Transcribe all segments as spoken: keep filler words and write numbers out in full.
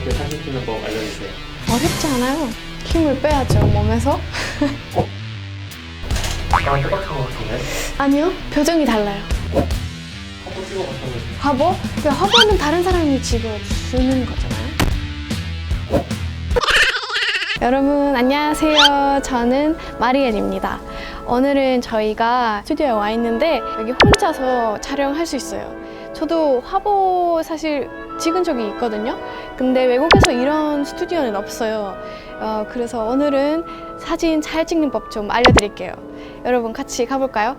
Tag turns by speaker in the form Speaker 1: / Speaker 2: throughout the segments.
Speaker 1: 자연스럽게 사진 찍는 법 알려주세요.
Speaker 2: 어렵지 않아요. 힘을 빼야죠, 몸에서.
Speaker 1: 어? 나랑 똑같은 거 같은데?
Speaker 2: 아니요, 표정이 달라요.
Speaker 1: 화보 찍어봤다면서.
Speaker 2: 화보? 그 화보는 다른 사람이 찍어주는 거잖아요. 여러분 안녕하세요. 저는 마리엘입니다. 오늘은 저희가 스튜디오에 와 있는데 여기 혼자서 촬영할 수 있어요. 저도 화보 사실 찍은 적이 있거든요. 근데 외국에서 이런 스튜디오는 없어요. 어, 그래서 오늘은 사진 잘 찍는 법 좀 알려드릴게요. 여러분 같이 가볼까요?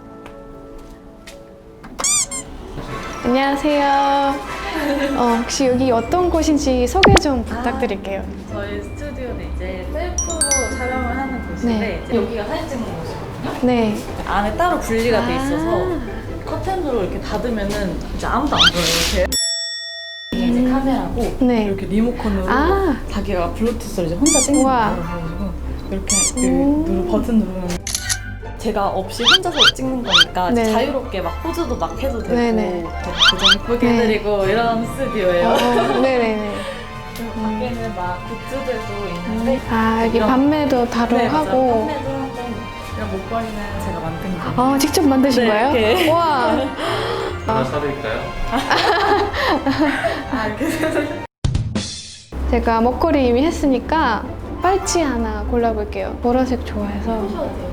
Speaker 2: 안녕하세요. 어, 혹시 여기 어떤 곳인지 소개 좀 부탁드릴게요.
Speaker 3: 아, 저희 스튜디오는 이제 셀프로 촬영을 하는 곳인데
Speaker 2: 네.
Speaker 3: 이제 여기가 사진 찍는 곳이거든요.
Speaker 2: 네.
Speaker 3: 안에 따로 분리가 돼
Speaker 2: 아.
Speaker 3: 있어서 커튼으로 이렇게 닫으면은 이제 아무도 안 보여요. 이렇게 이게 이제 카메라고
Speaker 2: 네.
Speaker 3: 이렇게 리모컨으로
Speaker 2: 아.
Speaker 3: 자기가 블루투스로 이제 혼자 찍는
Speaker 2: 우와.
Speaker 3: 거를 보여주고 이렇게
Speaker 2: 음.
Speaker 3: 누르 버튼 누르면 제가 없이 혼자서 찍는 거니까
Speaker 2: 네.
Speaker 3: 자유롭게 막 포즈도 막 해도 되고
Speaker 2: 네네.
Speaker 3: 고정 예쁘게
Speaker 2: 네.
Speaker 3: 해드리고 이런 스튜디오예요.
Speaker 2: 어, 네네네.
Speaker 3: 그리고 밖에는 막 굿즈들도 있는데
Speaker 2: 아, 여기
Speaker 3: 이런-
Speaker 2: 판매도 바로
Speaker 3: 네, 맞아요.
Speaker 2: 하고.
Speaker 3: 판매도 하고 이런 목걸이는 제가 만든 거.
Speaker 2: 어, 직접 만드신
Speaker 3: 네,
Speaker 2: 거예요?
Speaker 3: 이렇게.
Speaker 2: 와.
Speaker 1: 하나 사드릴까요?
Speaker 3: 아, 이렇게.
Speaker 2: 제가 목걸이 이미 했으니까 팔찌 하나 골라볼게요. 보라색 좋아해서.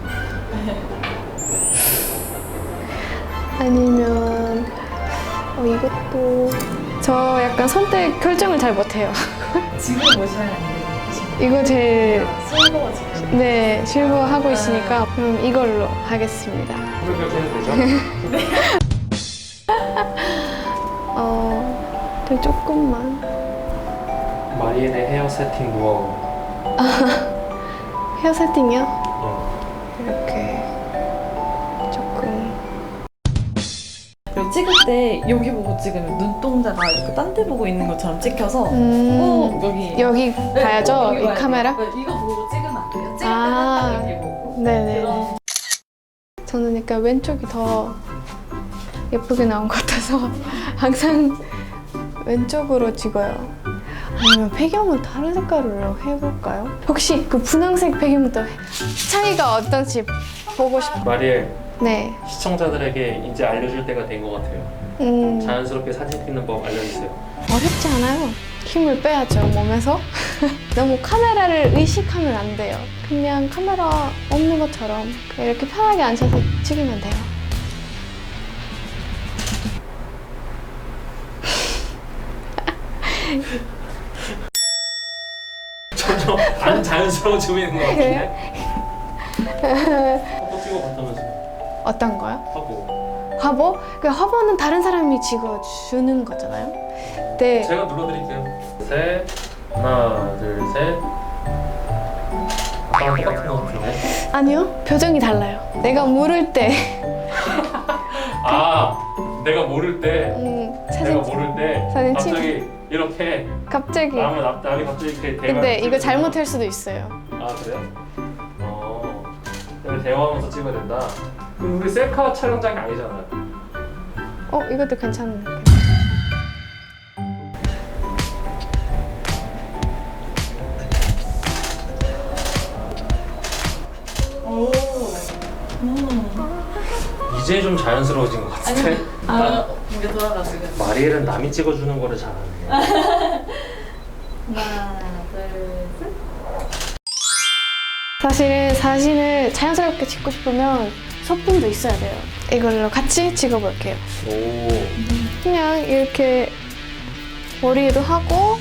Speaker 2: 아니면 어, 이것도 저 약간 선택 결정을 잘 못해요.
Speaker 3: 지금 보시면 안 돼요.
Speaker 2: 이거 제일
Speaker 3: 실버 지금.
Speaker 2: 네 실버 하고 있으니까 그럼 이걸로 하겠습니다.
Speaker 1: 그렇게 해도 되죠?
Speaker 2: 어, 되게 조금만.
Speaker 1: 마리엘의 헤어 세팅 노하우.
Speaker 2: 헤어 세팅이요?
Speaker 1: 어.
Speaker 2: 이렇게 조금.
Speaker 3: 그리고 찍을 때 여기 보고 찍으면 눈동자가 이렇게 딴 데 보고 있는 것처럼 찍혀서
Speaker 2: 음,
Speaker 3: 꼭 여기
Speaker 2: 여기
Speaker 3: 네,
Speaker 2: 봐야죠.
Speaker 3: 꼭 여기
Speaker 2: 이
Speaker 3: 봐야 돼요.
Speaker 2: 카메라.
Speaker 3: 네, 이거 보고 찍으면 안 돼요. 찍을
Speaker 2: 아.
Speaker 3: 때는 딱 여기 보고.
Speaker 2: 네네.
Speaker 3: 그런
Speaker 2: 저는 약간 왼쪽이 더 예쁘게 나온 것 같아서 항상 왼쪽으로 찍어요. 아니면 배경은 다른 색깔로 해볼까요? 혹시 그 분홍색 배경부터 차이가 어떤지 보고 싶어요.
Speaker 1: 마리엘,
Speaker 2: 네.
Speaker 1: 시청자들에게 이제 알려줄 때가 된 것 같아요.
Speaker 2: 음,
Speaker 1: 자연스럽게 사진 찍는 법 알려주세요.
Speaker 2: 어렵지 않아요. 힘을 빼야죠, 몸에서. 너무 카메라를 의식하면 안 돼요. 그냥 카메라 없는 것처럼 그냥 이렇게 편하게 앉아서 찍으면 돼요.
Speaker 1: 점점 안 자연스러워지고 있는 것 같은데? 화보 찍어봤다면서.
Speaker 2: 어떤 거요?
Speaker 1: 화보.
Speaker 2: 화보? 그 화보는 다른 사람이 찍어주는 거잖아요. 네.
Speaker 1: 제가 눌러드릴게요. 셋, 하나, 둘, 셋. 아까랑 똑같은 것 같은데?
Speaker 2: 아니요, 표정이 달라요. 내가 모를 때,
Speaker 1: 아, 내가 모를 때,
Speaker 2: 음,
Speaker 1: 내가
Speaker 2: 사진
Speaker 1: 모를 때
Speaker 2: 사진
Speaker 1: 갑자기 이렇게
Speaker 2: 갑자기.
Speaker 1: 남은 앞 남이 갑자기 이렇게 대화.
Speaker 2: 근데 이거 잘못할 수도 있어요.
Speaker 1: 아 그래요? 어, 근데 대화하면서 찍어야 된다. 그럼 우리 셀카 촬영장이 아니잖아요.
Speaker 2: 어, 이것도 괜찮은 것
Speaker 3: 오. 음.
Speaker 1: 이제 좀 자연스러워진 것 같은데.
Speaker 3: 아, 이게 돌아가지고.
Speaker 1: 마리엘은 남이 찍어주는 거를 잘하네.
Speaker 3: 하나, 둘, 셋.
Speaker 2: 사실은 사진을 자연스럽게 찍고 싶으면 소품도 있어야 돼요. 이걸로 같이 찍어볼게요.
Speaker 1: 오,
Speaker 2: 그냥 이렇게 머리에도 하고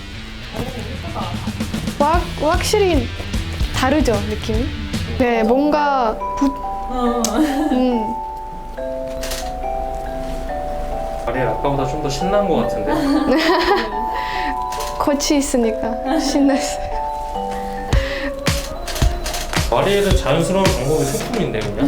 Speaker 2: 확, 확실히 다르죠, 느낌이? 네, 뭔가 부,
Speaker 3: 어.
Speaker 2: 음,
Speaker 1: 마리엘 아까보다 좀 더 신난 것 같은데.
Speaker 2: 거치 있으니까 신났어요.
Speaker 1: 마리엘은 자연스러운 방법이 소품인데 그냥.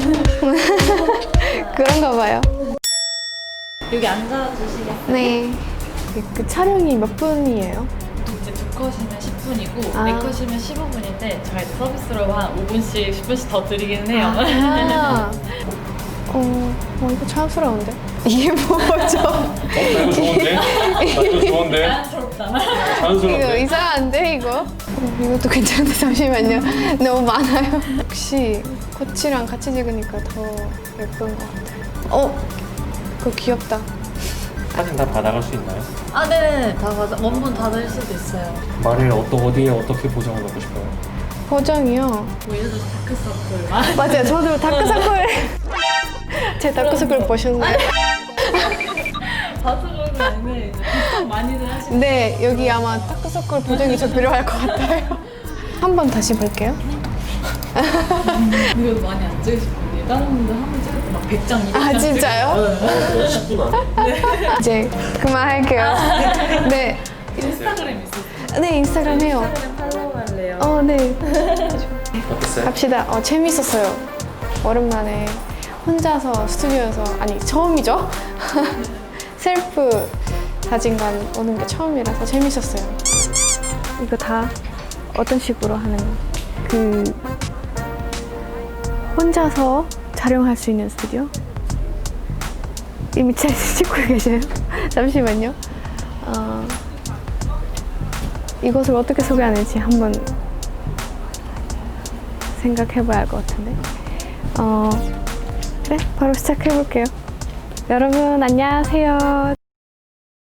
Speaker 2: 그런가 봐요.
Speaker 3: 여기 앉아주시겠어요?
Speaker 2: 네. 그, 그 촬영이 몇 분이에요?
Speaker 3: 이제 두 컷이면 십 분이고
Speaker 2: 아.
Speaker 3: 네 컷이면 십오 분인데 저희가 이제 서비스로 한 오 분씩, 십 분씩 더 드리기는 해요.
Speaker 2: 아, 어, 어, 이거 자연스러운데? 이게 뭐죠?
Speaker 1: 어, 나 이거 좋은데? 나 이거 좋은데?
Speaker 3: 자연스럽게 없잖아.
Speaker 2: 이거
Speaker 1: 자연스럽네.
Speaker 2: 이상한데 이거? 어, 이것도 괜찮은데 잠시만요. 너무 많아요. 역시 코치랑 같이 찍으니까 더 예쁜 것 같아요. 어, 그거 귀엽다.
Speaker 1: 사진 다 받아갈 수 있나요?
Speaker 3: 아, 네. 다 맞아. 원본 다 될 수도 있어요.
Speaker 1: 말을 어떠, 어디에 어떻게 보정을 넣고 싶어요?
Speaker 2: 보정이요.
Speaker 3: 뭐 예를 들어서 다크서클. 아,
Speaker 2: 맞아요. 저도 다크서클. 제 다크서클 보셨나요?
Speaker 3: 다크서클 아니면 이제 보통 많이들 하시는.
Speaker 2: 네, 여기 아마 다크서클 보정이 좀 필요할 것 같아요. 한번 다시 볼게요.
Speaker 3: 이거 많이 안 찍으실 거예요. 다른 분들 한 번 찍을 때 막 백 장, 이백 장.
Speaker 2: 아, 진짜요?
Speaker 1: 어, 십 분 안에.
Speaker 2: 이제 그만할게요. 네.
Speaker 3: 인스타그램 있어요.
Speaker 2: 네, 인스타그램 해요.
Speaker 3: 인스타그램 팔로우 할래요.
Speaker 2: 어, 네.
Speaker 1: 어땠어요?
Speaker 2: 갑시다. 어, 재밌었어요. 오랜만에 혼자서 스튜디오에서, 아니, 처음이죠? 셀프 사진관 오는 게 처음이라서 재밌었어요. 이거 다 어떤 식으로 하는, 그, 혼자서 촬영할 수 있는 스튜디오? 이미 잘 찍고 계세요? 잠시만요. 어, 이것을 어떻게 소개하는지 한번 생각해봐야 할 것 같은데. 어, 그래, 바로 시작해볼게요. 여러분, 안녕하세요.